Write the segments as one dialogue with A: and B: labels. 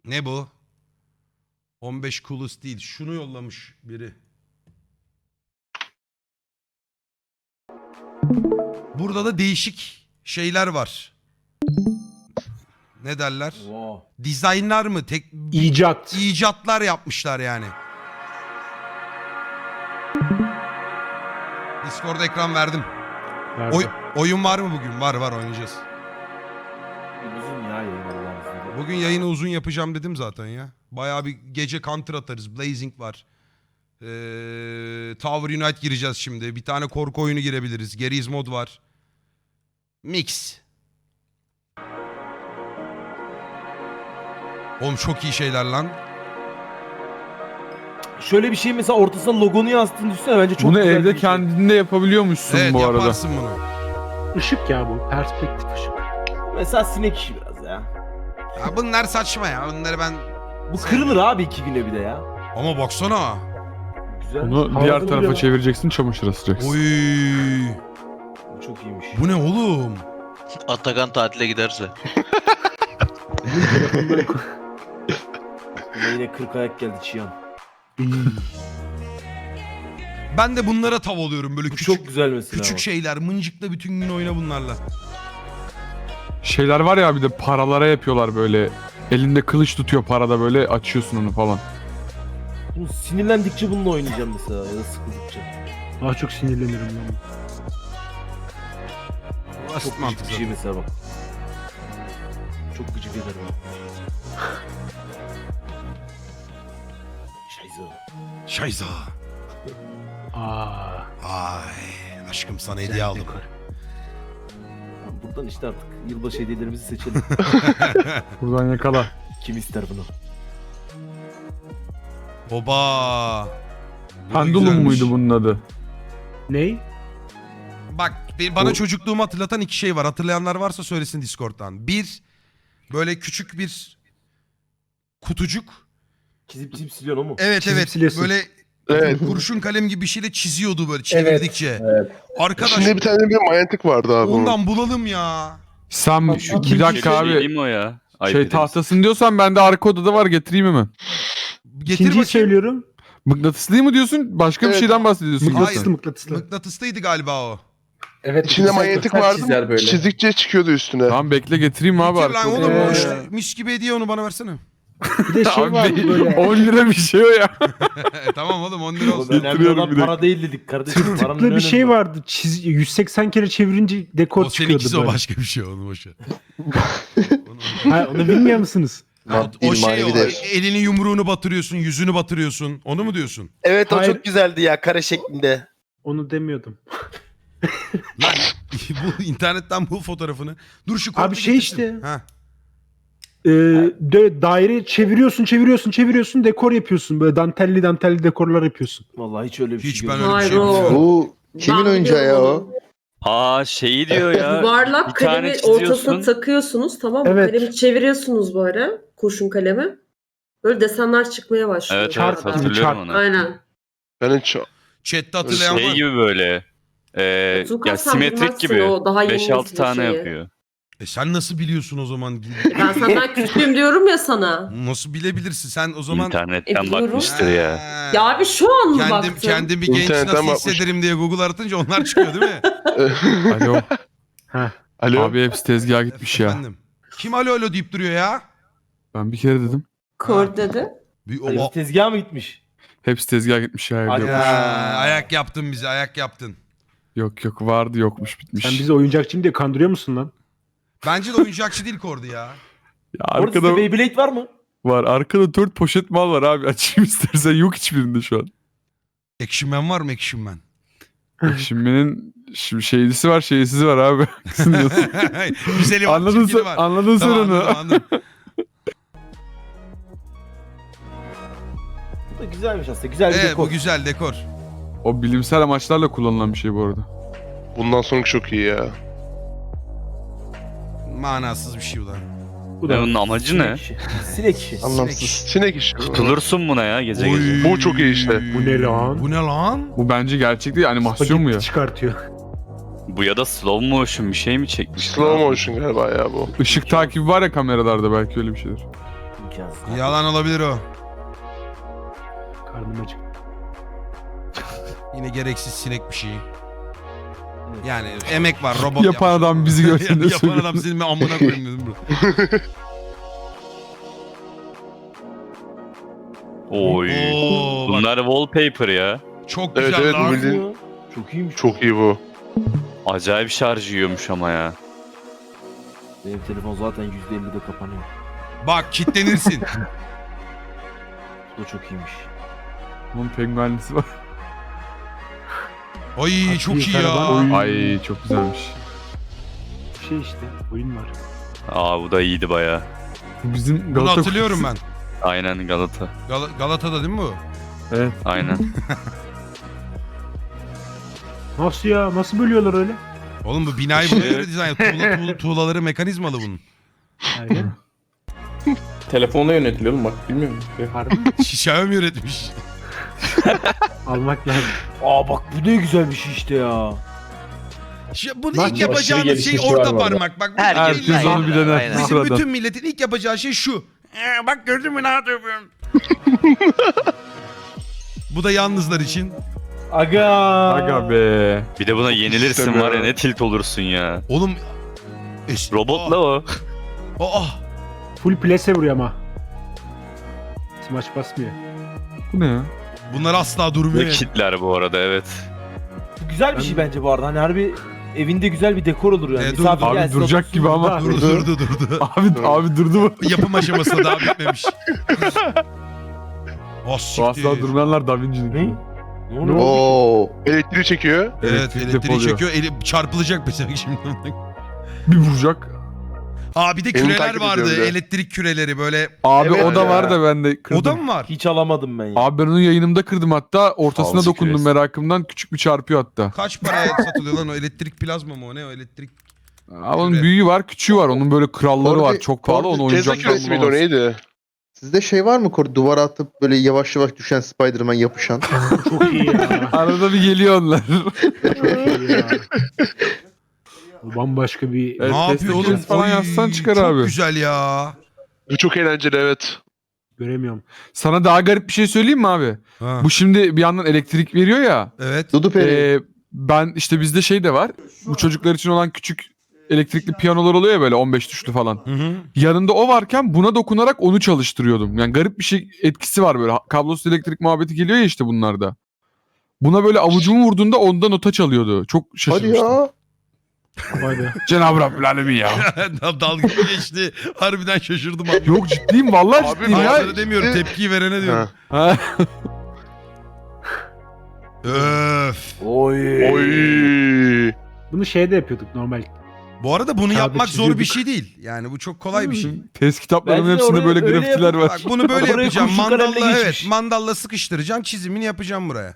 A: Ne bu? 15 coolest değil. Şunu yollamış biri. Burada da değişik şeyler var. Ne derler?
B: Wow.
A: Dizaynlar mı?
C: İcat.
A: İcatlar yapmışlar yani. Discord ekran verdim.
C: Nerede?
A: Oyun var mı bugün? Var oynayacağız.
B: Uzun ya yayın Allah'ın izniyle.
A: Bugün yayını uzun yapacağım dedim zaten ya. Bayağı bir gece counter atarız. Blazing var. Tower Unite gireceğiz şimdi. Bir tane korku oyunu girebiliriz. Geriz mod var. Mix. Oğlum çok iyi şeyler lan.
B: Şöyle bir şey mesela ortasına logonu yazdığını düşünsene bence çok
D: Bunu
B: güzel
D: evde
B: bir şey.
D: kendinde yapabiliyormuşsun
A: Evet
D: bu arada.
A: yaparsın bunu.
C: Işık ya bu. Perspektif ışık.
B: Mesela sinek işi biraz ya.
A: Ya bunlar saçma ya. Bunları ben...
B: Bu kırılır abi 2 güne bir de ya.
A: Ama baksana.
B: Güzel.
D: Bunu
C: Havada
D: diğer
C: duruyor
D: tarafa
C: lan.
D: çevireceksin, çamaşır asacaksın.
A: Oy.
B: Bu çok iyiymiş.
A: Bu ne oğlum?
E: Atakan tatile giderse.
B: Buna yine 40 ayak geldi Çiyan.
A: Ben de bunlara tav oluyorum böyle
B: Bu
A: küçük
B: çok güzel mesela.
A: küçük şeyler. Mıncıkla bütün gün oyna bunlarla.
D: Şeyler var ya, bir de paralara yapıyorlar böyle. Elinde kılıç tutuyor parada, böyle açıyorsun onu falan.
B: Bunu sinirlendikçe bununla oynayacağım mesela ya da sıkıldıkça.
C: Daha çok sinirlenirim lan.
A: Basit
B: Çok
A: mantık
B: gıcık bir şey
A: zaten.
B: mesela bak. Çok gıcık eder bak. Şayza.
A: Şayza.
C: Aa.
A: Ay aşkım sana hediye
C: güzel
A: aldım.
C: dekor.
B: Buradan işte artık yılbaşı hediyelerimizi seçelim.
D: Buradan yakala.
B: Kim ister bunu?
A: Oba. Bu da
D: Pendulum
A: güzelmiş.
D: muydu bunun adı?
C: Ney?
A: Bak bana
D: Bu-
A: çocukluğumu hatırlatan iki şey var. Hatırlayanlar varsa söylesin Discord'dan. Bir, böyle küçük bir kutucuk.
B: Çizip siliyorsun o mu?
A: Evet
C: Çizip
A: evet.
C: siliyorsun.
A: Böyle
F: Evet.
A: kurşun kalem gibi bir şeyle çiziyordu böyle çevirdikçe. Arkadaş
F: Şimdi bir tane bir manyetik vardı abi onun.
A: ondan bulalım ya.
D: Sen
C: Bak, şu
D: bir dakika abi.
E: Değil mi o ya?
D: Şey tahtasın diyorsan bende arka odada var, getireyim hemen.
A: Getir
C: İkinciyi
A: bakayım.
C: söylüyorum.
D: Mıknatıslı mı diyorsun? Başka bir
F: Evet.
D: şeyden bahsediyorsun.
A: Hayır.
C: Mıknatıslı mıknatıslı.
A: Mıknatıslıydı galiba o.
G: Evet.
F: İçinde manyetik vardı. Çizdikçe çıkıyordu üstüne.
D: Tamam bekle, getireyim abi
A: Getir
D: arka
A: lan
D: odada.
A: oğlum o işte mis gibi hediye onu bana versene.
C: Bir de şey var
D: Abi
C: böyle.
D: 10 lira bir şey o ya.
A: Tamam oğlum 10 lira
B: Oğlum
A: olsun.
B: önemli
D: Getiriyorum
B: olan
D: bir dakika.
B: para değil dedik kardeşim. Paranın
C: Tıklı
B: ne
C: bir
B: önemi
C: şey
B: var?
C: vardı. 180 kere çevirince dekor
A: O
C: çıkıyordu
A: seninkisi o
C: böyle.
A: başka bir şey onu boşver.
C: Ha, onu bilmiyor musunuz?
A: O şey
F: manevi
A: o
F: değer.
A: elini yumruğunu batırıyorsun yüzünü batırıyorsun onu mu diyorsun?
G: Evet o
C: Hayır.
G: çok güzeldi ya kare şeklinde.
C: Onu demiyordum.
A: Lan bu internetten bul fotoğrafını. Dur şu
C: Abi
A: korku
C: şey
A: getirsin.
C: işte.
A: Ha.
C: Daire çeviriyorsun dekor yapıyorsun. Böyle dantelli dekorlar yapıyorsun.
B: Vallahi hiç öyle bir
A: Hiç
B: şey
A: ben
B: görmedim.
A: öyle bir şey
H: Hayır, o-
A: bilmiyorum.
F: Bu kimin
H: Ben
F: oyuncağı ya
H: biliyorum
F: o?
E: Aa şeyi diyor ya.
H: Yuvarlak
E: bir tane
H: kalemi
E: çiziyorsun.
H: ortasına takıyorsunuz, tamam mı?
C: Evet.
H: Kalemi çeviriyorsunuz böyle kurşun kalemi. Böyle desenler çıkmaya başlıyor.
E: Evet
C: Çarp
E: evet
C: gibi,
E: hatırlıyorum
C: çarp.
E: onu.
H: Aynen.
F: Ben hiç
A: Chat'te hatırlayan
E: Şey
A: var.
E: gibi böyle.
H: Tuğkan
E: Ya
H: sen
E: simetrik
H: bilmezsin
E: gibi.
H: o daha yeni
E: 5-6
H: nesil
E: tane
H: şeyi.
E: yapıyor.
A: Sen nasıl biliyorsun o zaman?
H: Ben senden küçüğüm diyorum ya sana.
A: Nasıl bilebilirsin sen o zaman?
E: İnternetten
H: biliyorum.
E: bakmıştır ya.
A: Ha.
H: Ya abi şu an mı
A: Kendim,
H: baktın?
A: kendimi genç
F: İnternetten
A: nasıl
F: bakmış.
A: hissederim diye Google aratınca onlar çıkıyor değil mi?
D: Alo.
F: Alo.
D: Abi hepsi tezgaha gitmiş ya.
A: Efendim. Kim alo alo deyip duruyor ya?
D: Ben bir kere dedim.
H: Kor dedi.
A: Bir,
B: Ay, tezgaha mı gitmiş?
D: Hepsi tezgaha gitmiş ya. evde
B: Hadi
D: yok.
B: ya.
A: ayak yaptın bize ayak yaptın.
D: Yok vardı, yokmuş, bitmiş.
C: Sen bizi oyuncakçıyım diye kandırıyor musun lan?
A: Bence de oyuncakçı değil Kordu ya.
D: Ya
B: Orada
D: arkada
B: sizde Beyblade var mı?
D: var. Arkada 4 poşet mal var abi. Açayım istersen. Yok hiçbirinde şu an.
A: Action Man var mı Action Man?
D: Şimdinin şeylisi var, şeysizi var abi. Kısın diyorsun.
A: Güzeli var,
D: Anladın
A: çirkini
D: sen,
A: var.
D: anladın sen
A: Tamam,
D: onu.
A: anladım.
B: Bu da güzelmiş aslında. Güzel bir
A: Evet
B: dekor.
A: bu güzel dekor.
D: O bilimsel amaçlarla kullanılan bir şey bu arada.
F: Bundan sonraki çok iyi ya.
A: Manasız bir şey bu da.
C: Bu
E: Bunun amacı ne?
B: Sinek işi. Sinek işi.
F: Anlamsız. Sinek işi.
E: Tutulursun buna ya gece
A: Oy.
E: gece.
F: Bu çok iyi işte.
C: Bu ne lan?
A: Bu ne lan?
D: Bu bence gerçek değil, animasyon mu ya?
C: Çıkartıyor.
E: Bu ya da slow motion bir şey mi çekmiş?
F: Slow motion galiba ya bu.
D: Işık takibi var ya kameralarda, belki öyle bir şeydir.
B: imkansız.
A: Yalan olabilir o.
C: Karnım acık.
A: Yine gereksiz sinek bir şey.
B: Evet.
A: Yani emek var, robot
D: Yapan
A: yapmış.
D: adam bizi görsün de
A: Yapan
D: söylüyor.
A: adam senin amına koyayım dedim bro.
E: Oy.
A: Oo, bak,
E: Bunlar wallpaper ya.
A: çok
F: Evet,
A: güzel
F: evet,
A: lan.
F: bu bildiğin-
B: Ya, çok iyiymiş.
F: Çok iyi bu.
E: Acayip şarj yiyormuş ama ya.
B: Benim telefon zaten %50'de kapanıyor.
A: Bak kitlenirsin.
B: Bu da çok iyiymiş.
D: Bunun penguenlisi var.
A: Ay çok iyi ya.
C: karavan.
D: Ay çok güzelmiş.
C: Şey işte oyun var.
E: Aa bu da iyiydi baya.
D: Bu bizim
A: Bunu
D: Galata
A: hatırlıyorum ben.
E: Aynen Galata.
A: Galata'da değil mi bu?
D: Evet.
E: Aynen.
C: Nasıl ya? Nasıl bölüyorlar öyle?
A: Oğlum bu binayı buna göre dizayn. Tuğlaları mekanizmalı bunun.
C: Aynen.
I: Telefonla yönetiliyor oğlum bak bilmiyor musun?
C: Harbi mi?
A: Xiaomi üretmiş.
C: Almak lazım.
B: Aa bak bu ne güzel bir şey işte ya.
A: Bunu
C: Bak,
A: ilk yapacağınız şey
I: gelişmişi
A: orta
I: var bu arada.
A: parmak. Bak bu
E: Herkes
A: değil
D: Herkes
A: lan.
D: onu bilen
E: Aynen.
D: her
A: Bizim
D: sıradan.
A: bütün milletin ilk yapacağı şey şu. Bak gördün mü ne yapıyorum? Bu da yalnızlar için.
B: Aga.
D: Aga be.
E: Bir de buna yenilirsin
F: İstemiyorum.
E: var ya ne tilt olursun ya.
A: Oğlum.
E: Robotla o.
A: Aa.
C: Full plase vuruyor ama. Smash basmıyor.
D: Bu ne ya?
A: Bunlar asla durmuyor.
E: Ve kitler bu arada evet.
B: Bu güzel bir şey bence bu arada. Hani harbi evinde güzel bir dekor olur yani.
A: Dur,
B: Misafir
D: Abi
B: gelsin,
D: duracak
B: otursun.
D: gibi ama.
A: Durdu.
D: Abi durdu mu?
A: Yapım aşamasında daha bitmemiş. Oh
D: Bu
A: siktir.
D: asla durmayanlar Da Vinci'nin.
B: Ne? Ne oluyor?
F: Oo. Elektriği çekiyor.
A: Evet
D: Elektrik
A: elektriği
D: depoluyor.
A: çekiyor. Çarpılacak mesela şimdi.
D: Bir vuracak.
A: Aa bir de
F: Beni
A: küreler
F: takip ediyor
A: vardı.
F: bir de.
A: Elektrik küreleri böyle.
D: Abi
F: Evet
D: o da
F: ya.
D: var da ben de kırdım.
A: O da mı var?
B: Hiç alamadım ben ya.
D: Abi ben onu yayınımda kırdım hatta. Ortasına
E: Ağzı
D: dokundum
E: küresi.
D: merakımdan. Küçük bir çarpıyor hatta.
A: Kaç paraya satılıyor lan o elektrik plazma mı o ne o elektrik?
D: Abi onun büyüğü var, küçüğü var. Onun böyle kralları var. Çok pahalı. Onu
F: Tesla
D: oyuncaktan
F: küresi miydi o
D: bulamazsın.
F: neydi?
J: Sizde şey var mı Kore? Duvara atıp böyle yavaş yavaş düşen Spider-Man yapışan.
C: Çok iyi ya.
D: Arada bir geliyor onlar.
C: Çok iyi ya. Bu bambaşka bir...
D: Evet,
A: ne yapıyor
D: Tesla
A: oğlum?
D: küresi falan
A: Oy,
D: yazsan çıkar
A: çok
D: abi.
A: güzel ya.
F: Bu çok eğlenceli evet.
C: Göremiyorum.
D: Sana daha garip bir şey söyleyeyim mi abi?
A: Ha.
D: Bu şimdi bir yandan elektrik veriyor ya.
A: Evet.
J: Dudu Peri.
D: Ben işte bizde şey de var. Bu çocuklar için olan küçük elektrikli piyanolar oluyor ya böyle 15 tuşlu falan.
A: Hı hı.
D: Yanında o varken buna dokunarak onu çalıştırıyordum. Yani garip bir şey etkisi var böyle. Kablosuz elektrik muhabbeti geliyor ya işte bunlarda. Buna böyle avucumu vurduğunda ondan nota çalıyordu. Çok
J: Hadi
D: şaşırmıştım.
J: ya.
C: Vay be.
D: Cenab-ı Rabbül Alemin ya.
A: Dalga geçti. Harbiden şaşırdım abi.
D: Yok ciddiyim vallahi
F: Abi,
D: ciddiyim ya.
A: Hayır demiyorum tepkiyi verene diyorum.
F: Ha.
D: Ha.
A: Öf.
B: Oy.
F: Oy.
C: Bunu şeyde yapıyorduk normal.
A: Bu arada bunu
C: Kağıda
A: yapmak zor bir
C: çiziyorduk.
A: şey değil. Yani bu çok kolay bir şey.
D: Test kitaplarımın
B: Bence
D: hepsinde
B: oraya
D: böyle
B: öyle
D: grafitiler
B: yapın.
D: var.
A: Bak bunu böyle
B: Oraya
A: yapacağım.
B: kurşun
A: Mandalla
B: kalemle
A: evet.
B: geçmiş.
A: Mandalla sıkıştıracağım. Çizimini yapacağım buraya.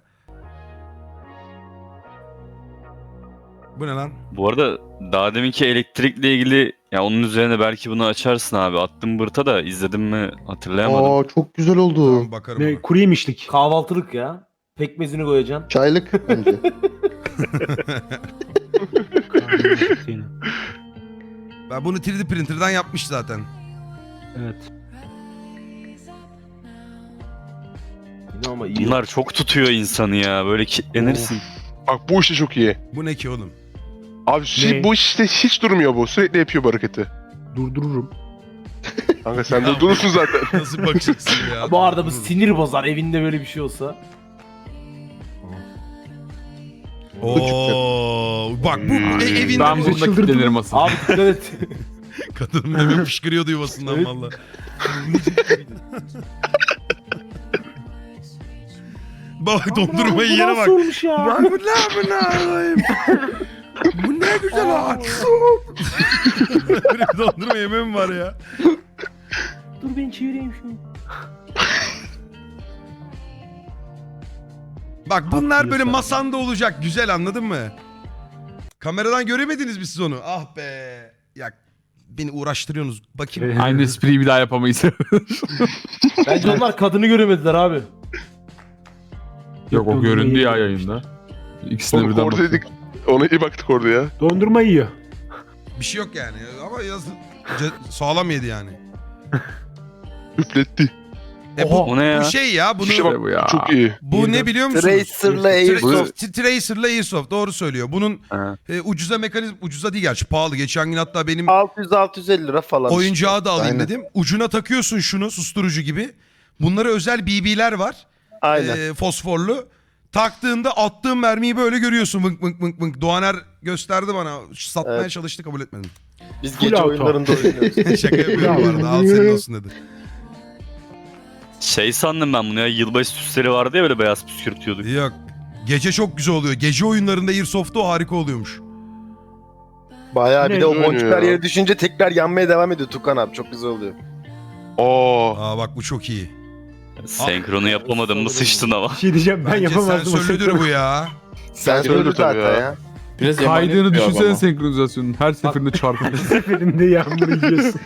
A: Bu ne lan?
E: Bu arada daha deminki elektrikle ilgili ya onun üzerine belki bunu açarsın abi. Attım bırta da izledim mi hatırlayamadım.
J: Aa çok güzel oldu.
A: Tamam bakarım.
C: Ne
A: ona.
C: kuru yemişlik.
B: Kahvaltılık ya. Pekmezini koyacaksın.
J: Çaylık bence.
A: Ben bunu 3D printer'dan yapmış zaten.
C: Evet.
B: Yine ama iyi.
E: Bunlar çok tutuyor insanı ya. Böyle kilitlenirsin.
F: Bak bu işte çok iyi.
A: Bu ne ki oğlum?
F: Abi
C: Ne?
F: bu işte hiç durmuyor bu. Sürekli yapıyor bu hareketi.
C: Durdururum.
F: Kanka sen
A: Ya.
F: de durursun zaten.
A: Nasıl bakacaksın ya?
B: Bu arada bu sinir bozar evinde böyle bir şey olsa.
A: Oo, bak bu evinde
D: Ben
C: Bizi
D: bunda
C: çıldırdı
D: kitlenirim asıl.
B: Abi dikkat et.
A: kadın hemen fışkırıyordu yuvasından
B: Evet.
A: valla. Bak dondurma yiyene bak.
B: Nasıl olmuş ya?
A: Bak bu ne alayım? Bu ne güzel ağaç. Böyle bir dondurma yemem var ya.
B: Dur ben çevireyim şunu.
A: Bak bunlar böyle
C: Haklıyorsun.
A: masanda olacak. Güzel anladın mı? Kameradan göremediniz mi siz onu? Ah be. Ya beni uğraştırıyorsunuz. Bakayım.
D: Aynı espriyi bir daha yapamayız.
B: Bence onlar kadını göremediler abi.
D: Yok o göründü ya yayında. İkisine
F: Oğlum
D: birden baktım.
F: oradaydık. Ona iyi baktık orada ya.
C: Dondurma yiyor.
A: Bir şey yok yani. Ama sağlam yedi yani.
F: Üfletti.
E: O ne ya?
A: Bu şey ya bunu
F: İşte
D: İşte bu ya.
F: Çok iyi.
A: bu ne biliyor musunuz?
G: Tracer'la Airsoft.
A: Tracer'la Airsoft doğru söylüyor. Bunun
E: Ha.
A: ucuza değil gerçi pahalı. Geçen gün hatta benim
G: 600-650 lira falan.
A: oyuncağı da alayım
J: Aynen.
A: dedim. Ucuna takıyorsun şunu susturucu gibi. Bunlara özel BB'ler var.
G: Aynen.
A: Fosforlu. Taktığında attığın mermiyi böyle görüyorsun. Vınk vınk vınk vınk. Doğaner gösterdi bana. Satmaya
G: Evet.
A: çalıştı kabul etmedim.
G: Biz
C: Full
G: gece
C: auto.
G: oyunlarında oynuyoruz.
A: Şaka yapıyorum bu arada. Al senin olsun dedi.
E: Şey sandım ben bunu ya, yılbaşı süsleri vardı ya böyle beyaz püskürtüyorduk.
A: Yok. Gece çok güzel oluyor. Gece oyunlarında Airsoft'ta o harika oluyormuş.
G: Bayağı bir de o
F: Ne
G: boncuklar
F: ya?
G: yere düşünce tekrar yanmaya devam ediyor Tukan abi. Çok güzel oluyor.
F: Aa.
A: Aa bak bu çok iyi.
E: Senkronu yapamadım mı sıçtın ama.
C: Bir şey diyeceğim ben
A: Bence
C: yapamazdım. o
A: sensörlüdür bu ya.
G: Sen
F: Söyledi
G: söyle
F: tabii
G: zaten
F: ya.
G: ya.
I: Biraz
D: Kaydığını
I: emanet bir
D: düşünsene
I: ama.
D: senkronizasyonun. Her seferinde çarpıyor.
C: seferinde yağmur yiyorsun.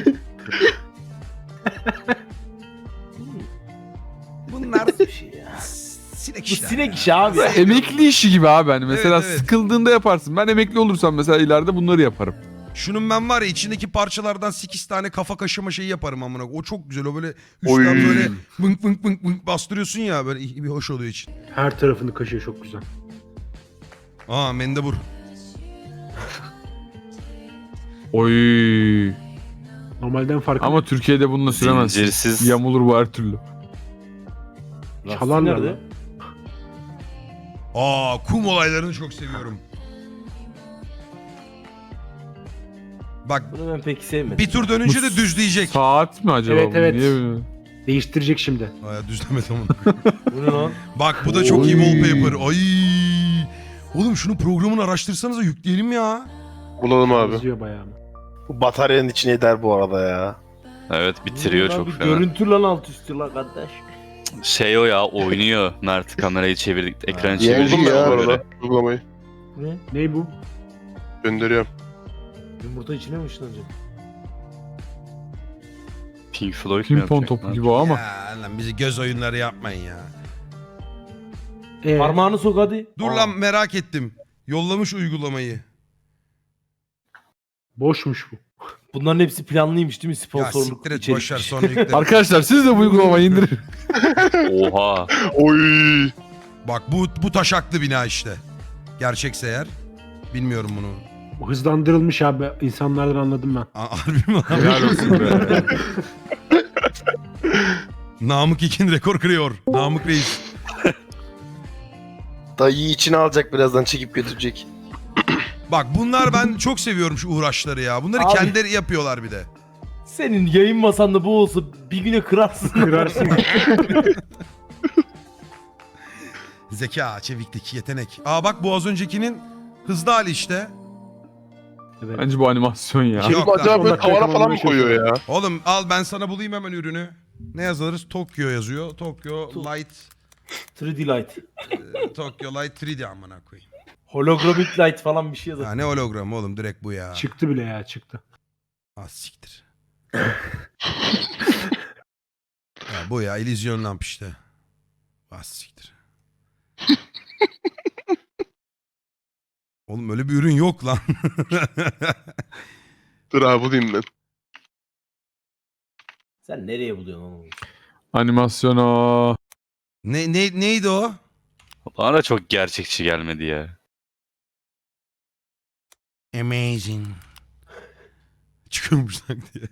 A: Bunlar sinek
B: Bu
A: işler.
B: sinek işi abi.
D: Emekli işi gibi abi hani. Mesela
A: Evet, evet.
D: sıkıldığında yaparsın. Ben emekli olursam mesela ileride bunları yaparım.
A: Şunun ben var ya içindeki parçalardan 8 tane kafa kaşıma şeyi yaparım amına. O çok güzel. O böyle
F: Oy.
A: üstten böyle vınk vınk vınk vınk bastırıyorsun ya böyle bir hoş oluyor için.
C: Her tarafını kaşıyor çok güzel.
A: Aa mendebur.
D: Oy.
C: Normalden farklı.
D: Ama Türkiye'de bununla süremezsin.
E: Zincirsiz.
D: Yamulur bu her türlü.
C: Çalarlar
B: Nerede?
C: lan.
A: Aa kum olaylarını çok seviyorum. Bak
B: Bunu ben pek sevmedim.
A: bir tur dönünce de düzleyecek.
D: Saat mi acaba
C: Evet,
D: bu?
C: evet.
D: Niye böyle?
C: Değiştirecek şimdi.
A: Aa düzlemedim onu.
B: Bu ne lan?
A: Bak bu da çok iyi wallpaper. Ay. Oğlum şunu programını araştırsanıza yükleyelim ya.
F: Bulalım abi.
C: Yazıyor bayağı.
G: Bu bataryanın içine eder bu arada ya.
E: Evet bitiriyor
B: Lan
E: çok
B: bir
E: fena.
B: Görüntü lan alt üstü lan kardeş.
E: Şey o ya, oynuyor. Mert kamerayı çevirdik, ekranı
J: Ya,
E: çevirdik.
F: Buldum ben
J: ya.
F: bu
E: Böyle.
F: arada. Uygulamayı.
B: Ne?
C: Ne bu?
F: Gönderiyorum.
B: Yumurta içine mi ışınlanacak?
E: Pink Floyd mu
D: Pimpon
E: yapacak
D: topu
E: lan?
D: gibi o ama.
A: Ya lan bizi göz oyunları yapmayın ya.
B: Parmağını sok hadi.
A: Dur
B: Aa.
A: lan merak ettim. Yollamış uygulamayı.
C: Boşmuş bu.
B: Bunların hepsi planlıymış değil mi?
A: Ya
B: Sponsorluk
A: siktir et
B: içerik.
A: boşver sonra yükle.
D: Arkadaşlar siz de bu uygulamayı indirin.
E: Oha.
F: Oy.
A: Bak bu taşaklı bina işte. Gerçekse eğer. Bilmiyorum bunu.
C: Bu hızlandırılmış abi. İnsanlardan anladım ben.
A: Harbi mi lan?
D: Helal olsun be.
A: Namık İkin rekor kırıyor. Namık Reis.
G: Dayıyı içine alacak birazdan çekip götürecek.
A: Bak bunlar ben çok seviyorum şu uğraşları ya. Bunları
B: Abi.
A: kendileri yapıyorlar bir de.
B: Senin yayın masanda bu olsa bir güne kırarsın.
C: Kırarsın.
A: Zeka, çeviklik, yetenek. Aa bak bu az öncekinin hızlı hali işte.
C: Evet.
D: Bence bu animasyon ya.
A: Yok
F: Yok
A: lan.
F: acaba böyle
C: 10 dakika
F: tavana falan mı
C: yakalamaya
F: koyuyor ya?
A: Oğlum al ben sana bulayım hemen ürünü. Ne yazarız? Tokyo yazıyor. Tokyo Light
B: 3D Light.
A: Tokyo Light 3D amına koyayım.
B: Holographic Light falan bir şey yazar.
A: Ya ne hologram oğlum direkt bu ya.
C: Çıktı bile ya çıktı.
A: Ah siktir. Ya bu ya illüzyon lamp işte. Ah siktir. Oğlum öyle bir ürün yok lan.
F: Dur abi bulayım ben.
B: Sen nereye buluyorsun onu?
D: Animasyon o.
A: Neydi o?
E: Bana da çok gerçekçi gelmedi ya.
A: Amazing. Çıkıyormuş sanki diye.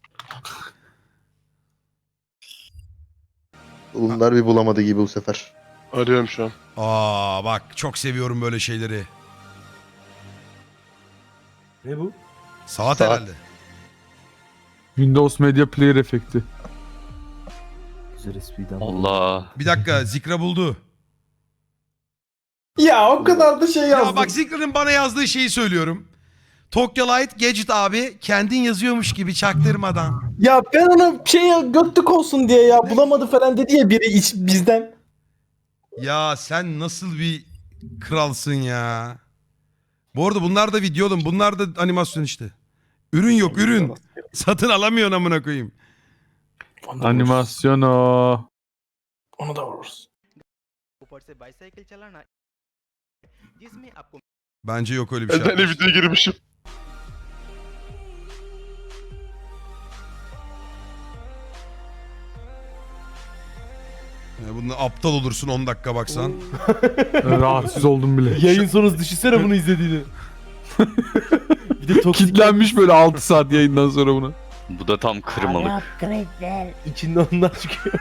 J: Bunlar bir bulamadı gibi bu sefer.
F: Arıyorum şu an.
A: Aa bak çok seviyorum böyle şeyleri.
B: Ne bu?
A: Saat
J: Saat.
A: herhalde.
D: Windows Media Player efekti.
B: Güzel espriden.
E: Allah.
A: Bir dakika Zikra buldu.
I: Ya o kadar da şey yazdım.
A: Ya bak Zikra'nın bana yazdığı şeyi söylüyorum. Tokyo Light Gadget abi kendin yazıyormuş gibi çaktırmadan.
I: Ya ben ona şey götlük olsun diye ya bulamadı falan dedi ya biri bizden.
A: Ya sen nasıl bir kralsın ya. Bu arada bunlar da video oğlum. Bunlar da animasyon işte. Ürün yok ürün. Satın alamıyorsun amına koyayım.
D: Animasyon o.
I: Onu da vururuz.
A: Bence yok öyle bir şey.
F: Ben de videoya girmişim.
A: Bunda aptal olursun 10 dakika baksan.
D: Rahatsız oldum bile.
B: Yayın sonrası düşünsene bunu izlediğini. Bir de toksik
D: Kitlenmiş böyle 6 saat yayından sonra buna.
E: Bu da tam kırmalık.
B: içinde onlar çıkıyor.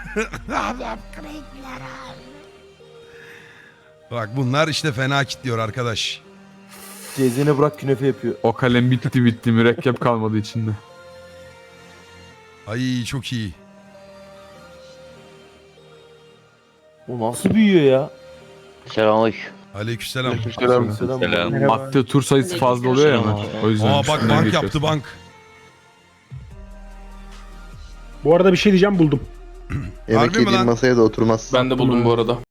A: Bak bunlar işte fena kitliyor arkadaş.
B: Cezene bırak künefe yapıyor.
D: O kalem bitti mürekkep kalmadı içinde.
A: Ay çok iyi.
B: O nasıl büyüyor ya?
A: Aleykümselam.
F: Selam.
E: Selam.
D: Attığı tur sayısı fazla oluyor ya ama. O yüzden
A: Aa bak
D: üstünden
A: bank
D: geçiyorsun.
A: yaptı bank.
C: Bu arada bir şey diyeceğim buldum.
J: Yemek
A: Harbi mi
J: yediğin
A: lan?
J: masaya da oturmaz.
I: Ben de buldum bu arada.